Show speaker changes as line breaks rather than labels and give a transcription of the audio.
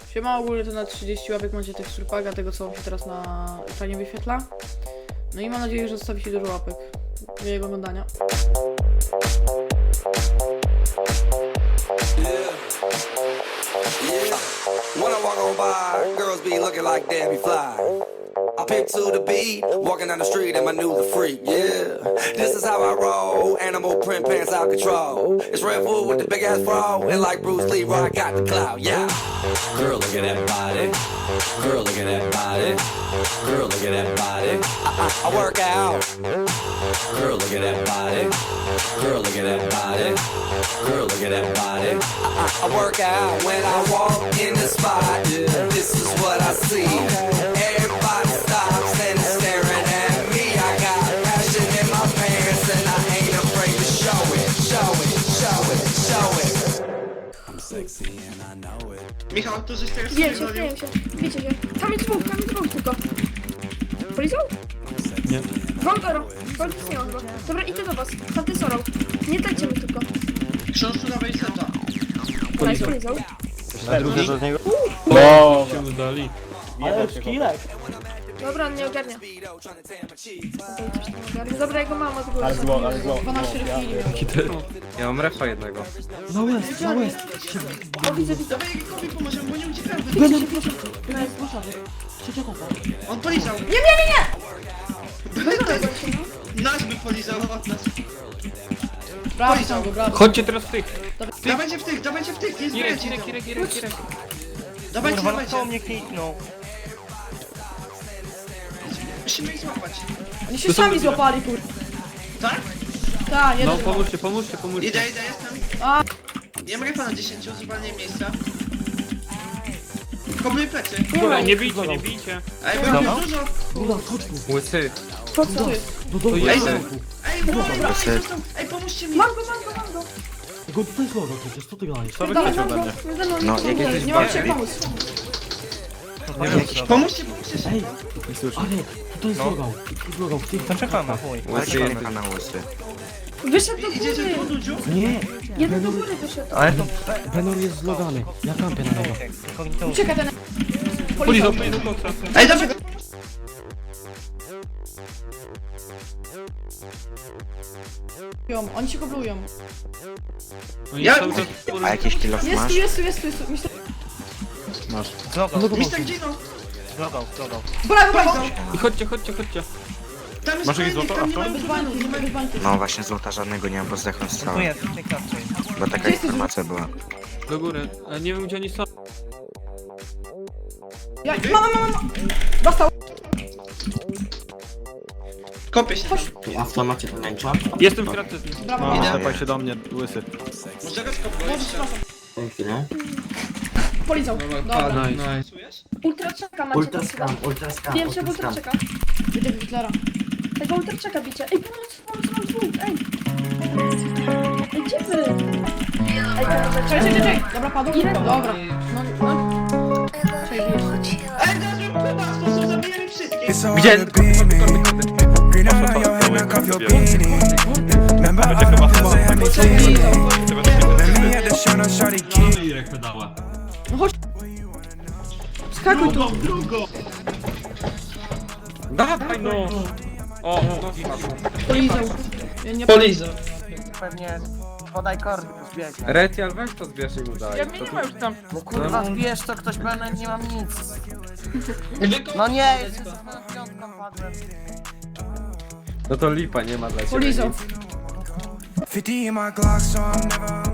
Siema, ogólnie to na 30 łapek macie tekstur paga, tego co się teraz na ekranie wyświetla. No i mam nadzieję, że zostawicie dużo łapek. Miłego oglądania.
When I walk on by, girls be looking like Debbie Fly. I pick to the beat, walking down the street and my new the freak, yeah. This is how I roll, animal print pants out control. It's Red Bull with the big ass bra, and like Bruce Lee, I got the clout, yeah. Girl, look at that body. Girl, look at that body. Girl, look at that body. I work out. Girl, look at that body. Girl, look at that body. Girl, look at that body. I work out when I walk in the spot. This is what I see. Everybody stops and is staring at me. I got passion in my pants and I ain't afraid to show it, show it, show it, show it. I'm sexy and I know it.
Michał, tu żeś teraz
Wiecie się. Tam jest dwóch tylko. Polizał?
Nie.
Wątoro. Nie mam go. Dobra, idę do was. Tamty sorał. Nie dajcie mi tylko.
książku na seta.
Polizał.
Na drugie do niego.
O,
Się udali.
ale szkilek.
Dobra, on nie ogarnia. Dobra, jego mama z góry.
Ale zło.
12 chwili.
Ja mam refa jednego.
No jest.
O, widzę.
Dawaj Jakubie pomożemy, bo nie uciekamy. On polizał.
Nie!
Nasz by polizał od nas.
Brawo, brawo.
Chodźcie teraz w tych.
Dawajcie w tych, nie
Kirek.
zbierajcie. Dawajcie.
mnie kliknął.
Musimy ich złapać.
Oni się sami złapali, kur...
Tak?
Tak, nie
No pomóżcie.
Idę, jestem.
A,
Ja mam refa na 10, zwalniaj miejsca. Kobuj plecy.
Dobra, nie bijcie.
Ej, bo jest dużo.
Łysy.
co to jest?
To jest.
Ej, pomóżcie mi.
Mam go.
Go tutaj złogo przecież, co ty gadasz?
Co wy
Dawaj,
chcecie
mam
ode mnie?
go.
No, jak jesteś
Nie mam się
bardziej.
pomóc.
Pomóżcie
Ej,
szybko.
ale tutaj zlogał, w tych... To czekamy, chuj.
Łysy jest.
Wyszedł do
Idziecie tu,
góry.
Dudziu?
Nie,
Jeden do góry wyszedł.
ale to... Venor jest zlogany, ja kampię na niego.
Ucieka ten...
Polizał.
Ej, dawaj.
Oni się koblują.
Ja-
A jakiś kilof masz?
Jest tu. Myślę...
Mister Gino.
Brawo.
I chodźcie.
Tam jest
Masz jakieś
fajnik,
złoto?
tam nie ma
Bez bańki, bez bańki.
No właśnie złota żadnego nie mam, bo zdechłem strzałem. Bo taka informacja była.
Do góry. Ale nie wiem gdzie oni są.
Mama. Dostał.
Kopię się tam.
A w macie pomęcza?
Jestem w kratce z nim.
Brawo.
Idę.
Tepaj się do mnie, łysy.
Może go skopuję jeszcze.
Tę chwilę.
Polizał. Dobra.
Nice.
Czujesz?
Ultraczeka macie.
Ultraskam.
Wiem się w ultraczeka. Idę w Hitlera. Tego ultraczeka bicie. Ej, pomoc, mam dwóch, ej. Ej, gdzie wy? Ej, czekaj. Dobra, padł. Dobra. No. Czekaj, jeszcze.
Ej, teraz bym chyba sposób zabijemy wszystkich.
Gdzie?
No chodź. Skakuj tu.
Dawaj no! O, no
Polizał. Ja nie...
Polizał.
Pewnie podaj kordy, zbiegnę.
Retial, weź to zbierz i udaj.
Ja mnie nie ma już tam.
No kurwa, zbierz to ktoś pewnie, nie mam nic. No nie, jeszcze z piątką padłem.
No to lipa, nie ma dla ciebie
Polizał.
nic.
50 in my Glock, so I'm never